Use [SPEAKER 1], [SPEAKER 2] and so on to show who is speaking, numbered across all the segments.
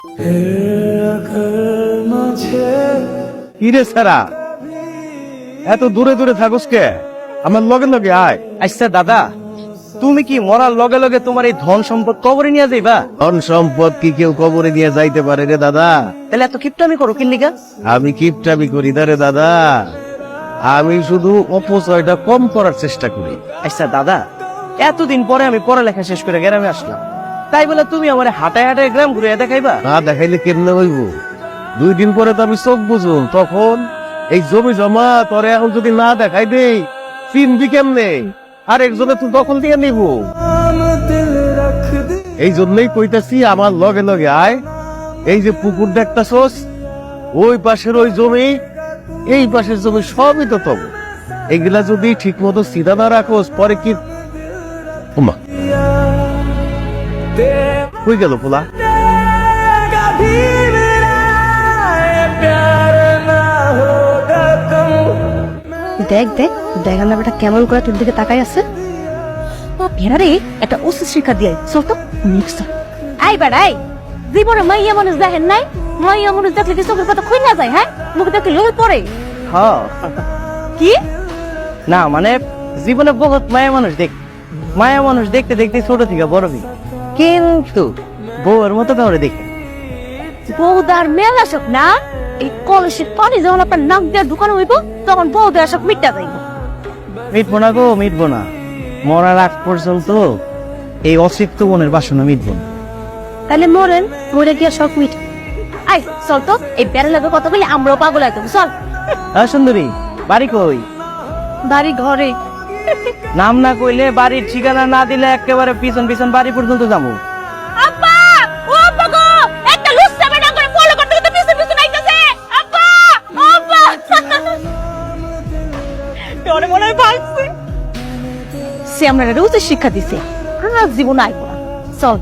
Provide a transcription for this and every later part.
[SPEAKER 1] কিরে সারা এত দূরে দূরে থাকস কে? আমার লগে লগে আয়।
[SPEAKER 2] আচ্ছা দাদা, তুমি কি মরার লগে লগে তোমার এই ধন সম্পদ কবরে নিয়ে যাইবা?
[SPEAKER 1] ধন সম্পদ কি কেউ কবরে নিয়ে যাইতে পারে রে দাদা?
[SPEAKER 2] তাহলে এত কিপটামি করো কিল্লিগা?
[SPEAKER 1] আমি কিপটামি করি না রে দাদা, আমি শুধু অপচয়টা কম করার চেষ্টা করি।
[SPEAKER 2] আচ্ছা দাদা, এতদিন পরে আমি পড়ালেখা শেষ করে গ্রামে আসলাম, তাই বলে তুমি আমার হাঁটায় হাঁটায় গ্রাম ঘুরে দেখাইবা?
[SPEAKER 1] না দেখাইলে কেমনে হইব? 2 দিন পরে তো আমি চোখ বুঝুন, তখন এই জমি জমা তোরে এখন যদি না দেখাই দেই চিনবি কেমনে? আর একজনে তুই দখল দিয়ে নিব। এই জন্যই কইতাছি আমার লগে লগে আয়। এই যে পুকুর দেখতাছস, ওই পাশের ওই জমি, এই পাশের জমি সবই তো তব। এগুলা যদি ঠিক মতো সিধা না রাখোস পরে কি ওমা কই গেল পোলা?
[SPEAKER 3] দেখ দেখ দেখার না বেটা কেমন করে তোর দিকে তাকাই আছে। ভেড়ারে একটা উচিত শিক্ষা দিয়ে চল তো নেক্সট। আই বেড়াই জীবনে মাইয়া মানুষ দেখেন নাই? মাইয়া মানুষ দেখলে কি চোখের পাতা খুই না যায়? হ্যাঁ, মুখে দেখলে লোল পড়ে।
[SPEAKER 2] হ্যাঁ,
[SPEAKER 3] কি
[SPEAKER 2] না মানে জীবনে বহুত মায়া মানুষ দেখতে দেখতে ছোট থেকে বড় হই, কিন্তু বউয়ের মতো কাউরে দেখি।
[SPEAKER 3] বউদার মেলা শোক না? এই কলসির পানি যখন আপনার নাক দিয়ে ঢুকানো হইব তখন বউদার শোক মিটটা যাইব।
[SPEAKER 2] মিটবো না গো, মিটবো না। মরার আগ পর্যন্ত এই অসিক্ত মনের বাসনা মিটবো না।
[SPEAKER 3] তাহলে মরেন, মরে গিয়া শখ মিট। আই চল তো, এই বেড়া লাগে কথা বলি আমরাও পাগল একদম। চল।
[SPEAKER 2] হ্যাঁ সুন্দরী, বাড়ি কই?
[SPEAKER 3] বাড়ি ঘরে।
[SPEAKER 2] নাম না কইলে, বাড়ির ঠিকানা না দিলে একেবারে পিছন পিছন বাড়ি পর্যন্ত যাবো।
[SPEAKER 3] আব্বা, ও আব্বা গো, একটা লুচ্চা বেটা করে ফলো করতে করতে পিছন পিছন আইতাছে। আব্বা, ও আব্বা। তোরে মনে হয় ভাগছে। সে আমরা রোজ শিক্ষা দিছে, আর জীবন আইব না। চল।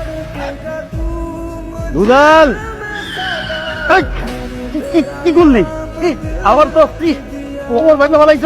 [SPEAKER 1] দুলাল কি করলি? আবার তো ওর ভাই ভালাইছো।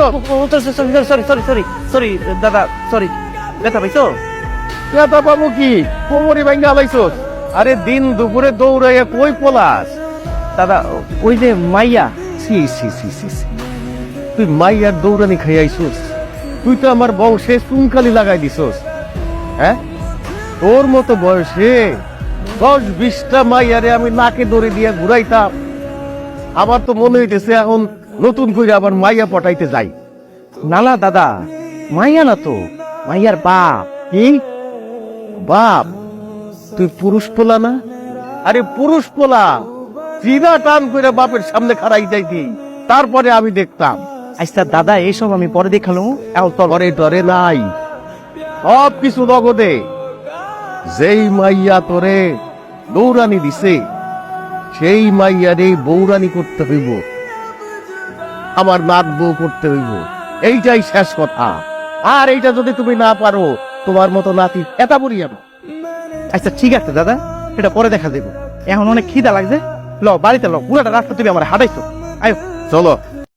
[SPEAKER 2] সরি দাদা, সরি। ব্যথা পাইছো?
[SPEAKER 1] কেতা পাবো কি, কোমরে ভাঙ্গা হালাইছো। আরে দিন দুপুরে দৌড়াইয়া কই পলাস?
[SPEAKER 2] দাদা ওই যে মাইয়া।
[SPEAKER 1] সি সি সি সি সি, তুই মাইয়ার দৌড়ানি খাইয়াইছোস? তুই তো আমার বংশে চুনকালি লাগাই দিছোস। হ্যাঁ, তোর মতো বয়সে 10-20টা মাইয়ারে আমি নাকে দড়ি দিয়ে ঘুরাইতাম। আমার তো মনে হইতেছে এখন নতুন করে আবার মাইয়া পটাইতে যাই।
[SPEAKER 2] না না দাদা, মাইয়া না তো, মাইয়ার বাপ।
[SPEAKER 1] কি বাপ? তুই পুরুষ পোলা না? আরে পুরুষ পোলা চিনা টান করে বাপের সামনে খাড়াই যাইতি, তারপরে আমি দেখতাম।
[SPEAKER 2] আচ্ছা দাদা, এইসব আমি পরে দেখালো।
[SPEAKER 1] ঘরে টরে নাই, সব কিছু নগদে। যেই মাইয়া তোরে দৌড়ানি দিছে সেই মাইয়ারে বৌরানি করতে হইব, আমার নাত বউ করতে হইব। এইটাই শেষ কথা। আর এইটা যদি তুমি না পারো, তোমার মতো নাতি এটা বলি আমি।
[SPEAKER 2] আচ্ছা ঠিক আছে দাদা, এটা পরে দেখা যাবে। এখন অনেক খিদা লাগছে, ল বাড়িতে ল, পুরাটা রাস্তা তুমি আমার হাঁটাইছো। আয়ো
[SPEAKER 1] চলো।